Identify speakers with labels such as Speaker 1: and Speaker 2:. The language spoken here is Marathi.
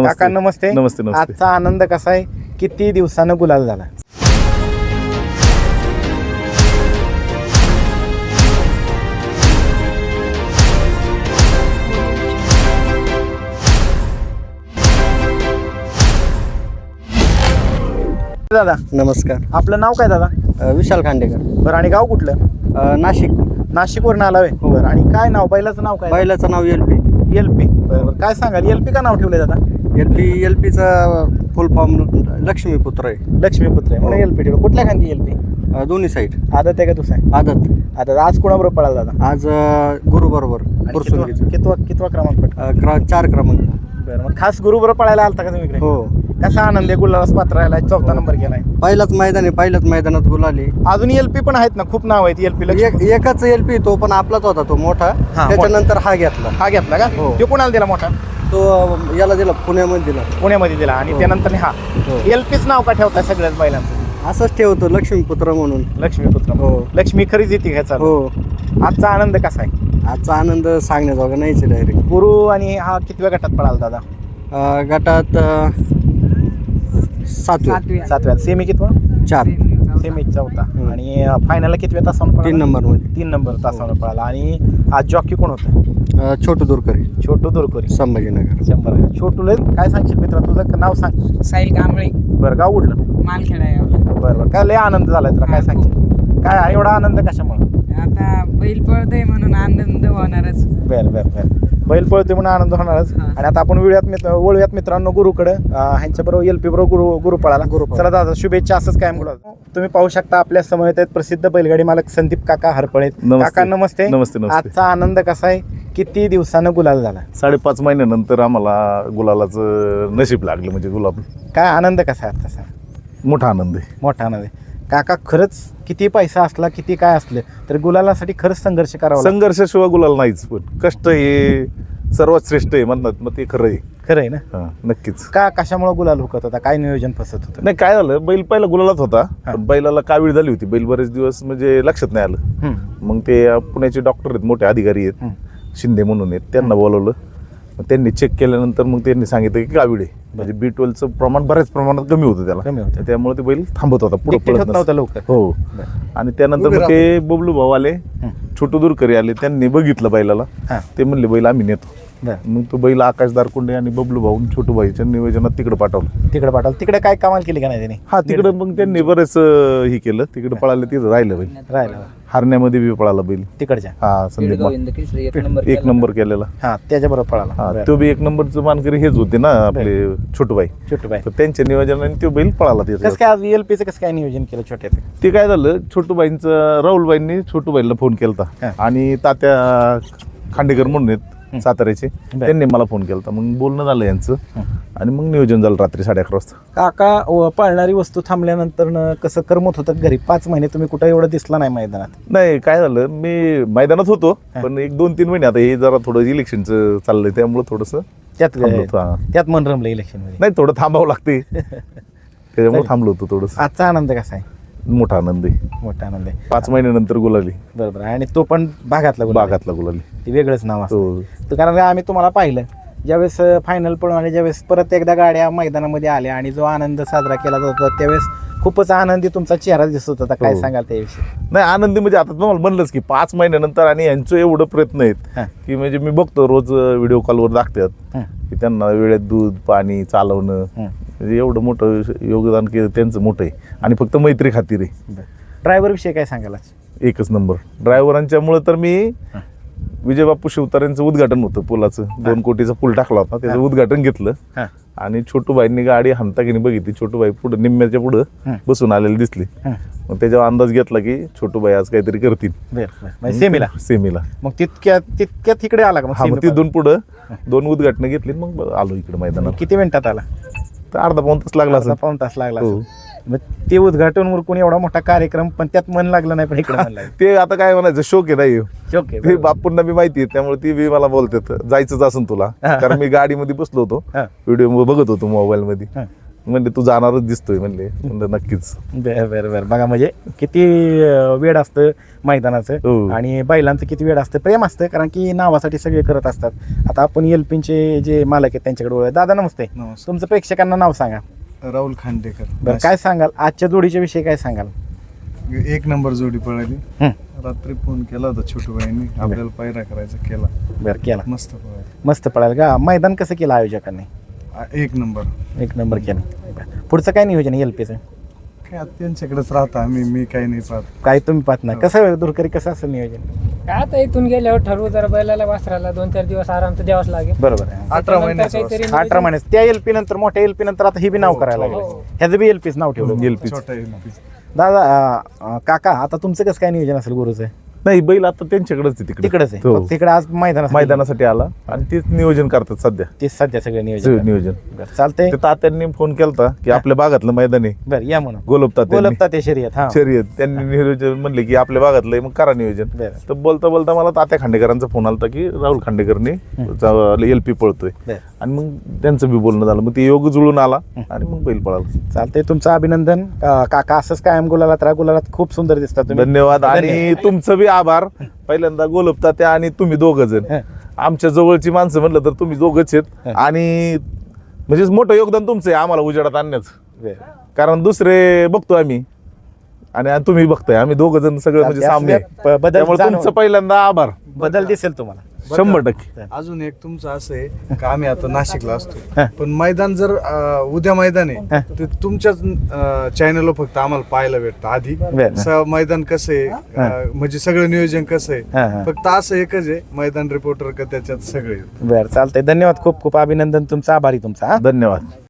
Speaker 1: काका नमस्ते.
Speaker 2: नमस्ते नमस्ते.
Speaker 1: आजचा आनंद कसा आहे, किती दिवसानं गुलाल झाला? दादा
Speaker 3: नमस्कार.
Speaker 1: आपलं नाव काय दादा?
Speaker 3: विशाल खांडेकर.
Speaker 1: बरं, आणि गाव कुठलं?
Speaker 3: नाशिक.
Speaker 1: नाशिकवरून आला होय. बरं, आणि काय नाव, बैलाचं नाव काय?
Speaker 3: बैलाचं नाव एल पी.
Speaker 1: एलपी. बरं, काय सांगाल, एलपी का नाव ठेवलंय दादा?
Speaker 3: एल पीचा फुल फॉर्म लक्ष्मीपुत्र आहे.
Speaker 1: लक्ष्मीपुत्र आहे म्हणून एलपी ठेवलं. कुठल्या खांदी एलपी?
Speaker 3: दोन्ही साईड.
Speaker 1: आदत आहे का दुसरा?
Speaker 3: आदत.
Speaker 1: आता आज कोणाबरोबर पळाला दादा?
Speaker 3: आज गुरु बरोबर पुरसुंगीचा.
Speaker 1: कितवा क्रमांक पटका?
Speaker 3: 4 क्रमांक.
Speaker 1: बरं, मग खास गुरु बरोबर पळायला आलता का तुम्ही इकडे?
Speaker 3: हो.
Speaker 1: कसा आनंद आहे, गुलालाच पात्र राहिला, 4था नंबर केलाय.
Speaker 3: पहिलाच मैदान आहे, पहिल्याच मैदानात गुलाली.
Speaker 1: अजून एलपी पण आहेत ना, खूप नाव आहेत एलपी.
Speaker 3: एकच एल पी, तो पण आपलाच होता, तो मोठा. त्याच्यानंतर हा घेतला.
Speaker 1: हा घेतला का?
Speaker 3: हो.
Speaker 1: तो कोणाला दिला मोठा?
Speaker 3: तो याला दिला, पुण्यामध्ये दिला.
Speaker 1: पुण्यामध्ये दिला. आणि
Speaker 3: हो.
Speaker 1: त्यानंतर हा
Speaker 3: हो.
Speaker 1: एलपीच नाव का ठेवताय सगळ्याच बैलांचं?
Speaker 3: असंच ठेवतो, लक्ष्मीपुत्र म्हणून.
Speaker 1: लक्ष्मीपुत्र.
Speaker 3: हो.
Speaker 1: लक्ष्मी खरीच येते घ्यायचा.
Speaker 3: हो.
Speaker 1: आजचा आनंद कसा आहे?
Speaker 3: आजचा आनंद सांगण्याजोगा नाहीच डायरेक्ट.
Speaker 1: गुरु आणि हा कितव्या गटात पळाला दादा?
Speaker 3: गटात
Speaker 1: 7व्या. सेमी कितवा?
Speaker 3: 4.
Speaker 1: सेमी 4था. आणि फायनलला कितव्या तासावर पळाला?
Speaker 3: 3 नंबर मध्ये.
Speaker 1: 3 नंबर तासावर पळाला. आणि आज जॉकी कोण होतं?
Speaker 3: छोटू दुरकरी,
Speaker 1: छोटू दुरकोरी,
Speaker 3: संभाजीनगर.
Speaker 1: 100. छोटूला काय सांगशील मित्रा, तुझं नाव सांग.
Speaker 4: साहिल कांबळे,
Speaker 1: बरं, गाव कुठलं?
Speaker 4: मालखेडा आहे आपला.
Speaker 1: बरं, काय लय आनंद झालाय तुला, काय सांगशील? काय एवढा आनंद कशामुळे?
Speaker 4: आता बैल पळतोय म्हणून आनंद होणारच.
Speaker 1: बरं. बैल पळतोय म्हणून आनंद होणारच.
Speaker 4: हा.
Speaker 1: आणि आता आपण वळूयात मित्रांनो गुरुकडे. ह्यांच्या बरोबर एलपी बरोबर गुरु पळाला. चला दादा, शुभेच्छा, असंच कायम गुलाल. तुम्ही पाहू शकता आपल्या समोर आहेत प्रसिद्ध बैलगाडी मालक संदीप काका हरपळे. काका नमस्ते.
Speaker 2: नमस्ते नमस्ते.
Speaker 1: आजचा आनंद कसा आहे, किती दिवसानं गुलाल झाला?
Speaker 2: 5.5 महिन्यानंतर आम्हाला गुलालाचं नशीब लागलं, म्हणजे गुलाब.
Speaker 1: काय आनंद कसा आहे तसा?
Speaker 2: मोठा आनंद आहे.
Speaker 1: मोठा आनंद आहे. काका खरंच किती पैसा असला, किती काय असलं तर गुलालासाठी खरंच संघर्ष करावा लागतो.
Speaker 2: संघर्षाशिवाय गुलाल नाहीच, पण कष्ट हे सर्वात श्रेष्ठ आहे म्हणतात, मग ते खरं आहे.
Speaker 1: खरं आहे ना?
Speaker 2: हा, नक्कीच.
Speaker 1: का कशामुळे गुलाल हुकत होता, काय नियोजन फसत होतं?
Speaker 2: नाही, काय झालं, बैल पहिला गुलालात होता, पण बैलाला कावीळ झाली होती. बैल बरेच दिवस म्हणजे लक्षात नाही आलं. मग ते पुण्याचे डॉक्टर आहेत, मोठे अधिकारी आहेत, शिंदे म्हणून आहेत, त्यांना बोलवलं. मग त्यांनी चेक केल्यानंतर मग त्यांनी सांगितलं की कावीळ आहे, म्हणजे B12चं प्रमाण बऱ्याच प्रमाणात कमी होतं त्याला.
Speaker 1: कमी होतं.
Speaker 2: त्यामुळे ते बैल थांबत होता, पुढे
Speaker 1: Dictate होत नव्हता लवकर.
Speaker 2: हो. आणि त्यानंतर मग ते बबलू भाऊ आले, छोटू दुरकरी आले, त्यांनी बघितलं बैलाला. ते म्हणले बैल आम्ही नेतो. मग तो बैल आकाश दारकुंडे आणि बबलू भाऊ छोटू भाईच्या नियोजनात तिकडे पाठवलं. तिकडे काय कमाल केली का नाही त्याने? हा, तिकडे मग त्यांनी बरेच हे केलं, तिकडे पळाले, तिथं राहिलं बैल.
Speaker 1: राहिला
Speaker 2: हरण्यामध्ये बी पळाला बैल
Speaker 1: तिकडच्या.
Speaker 2: हा, संदीप एक नंबर केलेला.
Speaker 1: हा, त्याच्या बरोबर पळाला.
Speaker 2: हा, तो बी 1 नंबरचं मानकरी हेच होते ना आपले छोटूबाई. तर त्यांच्या नियोजनाने तो बैल पळाला तिथे.
Speaker 1: कसं काय आज एलपीचं कसं काय नियोजन केलं छोट्या?
Speaker 2: ते काय झालं, छोटूबाईंचं राहुलबाईंनी छोटूबाईला फोन केलता, आणि तात्या खांडेकर म्हणून आहेत साताऱ्याचे, त्यांनी मला फोन केलता. मग बोलणं झालं यांचं, आणि मग नियोजन झालं रात्री 11:30 वाजता.
Speaker 1: काका, पळणारी वस्तू थांबल्यानंतर कसं करमत होतं घरी? 5 महिने तुम्ही कुठं एवढं दिसला नाही मैदानात?
Speaker 2: नाही, काय झालं, मी मैदानात होतो, पण 1-2-3 महिने आता हे जरा थोडं इलेक्शनचं चाललंय, त्यामुळे थोडंसं
Speaker 1: त्यात मन रमलं इलेक्शन मध्ये.
Speaker 2: नाही, थोडं थांबावं लागते, त्याच्यामुळे थांबलो होतो थोडंसं.
Speaker 1: आजचा आनंद कसा आहे?
Speaker 2: मोठा आनंद आहे.
Speaker 1: मोठा आनंद आहे.
Speaker 2: 5 महिन्यानंतर गुलाली.
Speaker 1: बरोबर. आणि तो पण भागातला
Speaker 2: गुलाली.
Speaker 1: ते वेगळंच नाव असतं. कारण आम्ही तुम्हाला पाहिलं ज्यावेळेस फायनल पळून आले, ज्यावेळेस परत एकदा गाड्या मैदानामध्ये आल्या आणि जो आनंद साजरा केला जात होता, त्यावेळेस खूपच आनंदी तुमचा चेहरा दिसत होता. काय सांगाल त्याविषयी?
Speaker 2: नाही, आनंदी म्हणजे आता तुम्हाला म्हणलंच की 5 महिन्यानंतर, आणि यांचं एवढं प्रयत्न आहेत की म्हणजे मी बघतो रोज व्हिडिओ कॉलवर दाखतात की त्यांना वेळेत दूध पाणी चालवणं, म्हणजे एवढं मोठं योगदान केलं त्यांचं मोठं आहे. आणि फक्त मैत्री खातीर आहे.
Speaker 1: ड्रायव्हर विषयी काय सांगाल?
Speaker 2: एकच नंबर ड्रायव्हरांच्यामुळे तर मी विजयबापू शिवतारेंचं उद्घाटन होतं पुलाचं, 2 कोटीचा पूल टाकला होता, त्याचं उद्घाटन घेतलं. आणि छोटूबाईंनी गाडी हाणताकीने बघितली, छोटूबाई पुढे निम्म्याच्या पुढं बसून आलेली दिसली. मग त्याच्यावर अंदाज घेतला की छोटूबाई आज काहीतरी करतील सेमीला.
Speaker 1: मग तितक्या तिकडे आला का?
Speaker 2: मग तिथून पुढं 2 उद्घाटन घेतली, मग आलो इकडे मैदानात.
Speaker 1: किती मिनिटात आला?
Speaker 2: तर अर्धा-पाऊण तास लागला.
Speaker 1: पाऊण तास लागला. मग ते उद्घाटन उरकून एवढा मोठा कार्यक्रम, पण त्यात मन लागलं नाही. पण इकडे
Speaker 2: ते आता काय म्हणायचं, शोक आहे. नाही,
Speaker 1: शोक आहे.
Speaker 2: ते बापूंना बी माहिती आहे, त्यामुळे ती बी मला बोलतात जायचंच असेल तुला, कारण मी गाडीमध्ये बसलो होतो, व्हिडिओ बघत होतो मोबाईल मध्ये. म्हणले तू जाणारच दिसतोय म्हणले. म्हणलं नक्कीच.
Speaker 1: बरं बघा म्हणजे किती वेळ असतं मैदानाचं
Speaker 2: हो.
Speaker 1: आणि बैलांचं किती वेळ असतं, प्रेम असतं, कारण की नावासाठी सगळे करत असतात. आता आपण एलपीचे जे मालक आहेत त्यांच्याकडे वळूया. दादा नमस्ते.
Speaker 3: नमस्कार.
Speaker 1: तुमचं प्रेक्षकांना नाव सांगा.
Speaker 3: राहुल खांडेकर.
Speaker 1: बरं काय सांगाल आजच्या जोडीच्या विषयी, काय सांगाल?
Speaker 3: एक नंबर जोडी पळाली.
Speaker 1: हं.
Speaker 3: रात्री फोन केला होता छोटू भाईंनी, आपल्याला पायरा करायचा केला.
Speaker 1: बरं केला,
Speaker 3: मस्त पळाली.
Speaker 1: मस्त पळाल का? मैदान कसं केलं आयोजकांनी?
Speaker 3: एक नंबर.
Speaker 1: एक नंबर केलं. बरं. पुढचं काय नियोजन आहे एलपीचं?
Speaker 3: काय आता त्यांच्याकडेच राहता आम्ही, मी काही नाही पाहत.
Speaker 1: काय तुम्ही पाहत नाही? कसं दुरकरी कसं असेल नियोजन?
Speaker 5: काय आता इथून गेल्यावर ठरवू, जरा बैलाला वासराला 2-4 दिवस आराम तर द्यावाच लागेल.
Speaker 1: बरोबर आहे.
Speaker 3: 18 महिन्याचा
Speaker 5: काहीतरी
Speaker 1: 18 महिने त्या एलपी नंतर, मोठ्या एलपी नंतर आता ही बी नाव करायला लागलं.
Speaker 5: हो.
Speaker 1: ह्याचं बी एलपीच नाव ठेवलं.
Speaker 2: LP.
Speaker 3: छोटा LP.
Speaker 1: दादा काका, आता तुमचं कसं काय नियोजन असेल गुरुचं?
Speaker 2: नाही, बैल आता त्यांच्याकडेच आहे
Speaker 1: तिकडेच आहे.
Speaker 2: हो.
Speaker 1: फक्त तिकडे आज मैदानात
Speaker 2: मैदानासाठी आला आणि तेच नियोजन करतात सध्या.
Speaker 1: ते सध्या सगळं नियोजन.
Speaker 2: नियोजन
Speaker 1: बरं, चालतंय.
Speaker 2: ते तात्यांनी फोन केलता की आपल्या भागातलं मैदान आहे
Speaker 1: बरं या म्हणून
Speaker 2: गोलप
Speaker 1: बोलपता ते शर्यत. हा
Speaker 2: शर्यत. त्यांनी नियोजन म्हणले की आपल्या भागातलं आहे, मग करा नियोजन.
Speaker 1: बरं.
Speaker 2: तर बोलता बोलता मला तात्या खांडेकरांचा फोन आला की राहुल खांडेकरने एलपी पळतोय.
Speaker 1: बरं.
Speaker 2: आणि मग त्यांचं बी बोलणं झालं, मग ते योग जुळून आला आणि मग बैल पळाला.
Speaker 1: चालतंय, तुमचं अभिनंदन. काका असंच कायम गुलालात राहा, गुलालात खूप सुंदर दिसतात तुम्ही.
Speaker 2: धन्यवाद. आणि तुमचं बी आभार. पहिल्यांदा गोलपता त्या आणि तुम्ही दोघ जण
Speaker 1: हं.
Speaker 2: आमच्या जवळची माणसं म्हणलं तर तुम्ही दोघच आहेत. आणि म्हणजे मोठं योगदान तुमचं आहे आम्हाला उजेडात आणण्याचं.
Speaker 1: बरं.
Speaker 2: कारण दुसरे बघतो आम्ही आणि तुम्ही बघताय, आम्ही दोघ जण सगळं म्हणजे सामने आहे.
Speaker 1: बदल
Speaker 2: त्यामुळे
Speaker 1: जाणवून-
Speaker 2: तुमचं पहिल्यांदा आभार.
Speaker 1: बदल दिसेल तुम्हाला.
Speaker 2: 100%.
Speaker 3: अजून एक तुमचं असं आहे का आम्ही आता नाशिकला असतो, पण मैदान जर उद्या मैदान आहे ते तुमच्याच चॅनलवर फक्त आम्हाला पाहायला भेटतं. आधी
Speaker 1: बरं.
Speaker 3: मैदान कसं आहे, म्हणजे सगळं नियोजन कसं
Speaker 1: हा,
Speaker 3: आहे,
Speaker 1: हा.
Speaker 3: फक्त असं एकच आहे मैदान रिपोर्टर का त्याच्यात सगळे.
Speaker 1: बरं चालतंय. धन्यवाद, खूप खूप अभिनंदन तुमचं, आभारी तुमचा. हा
Speaker 2: धन्यवाद.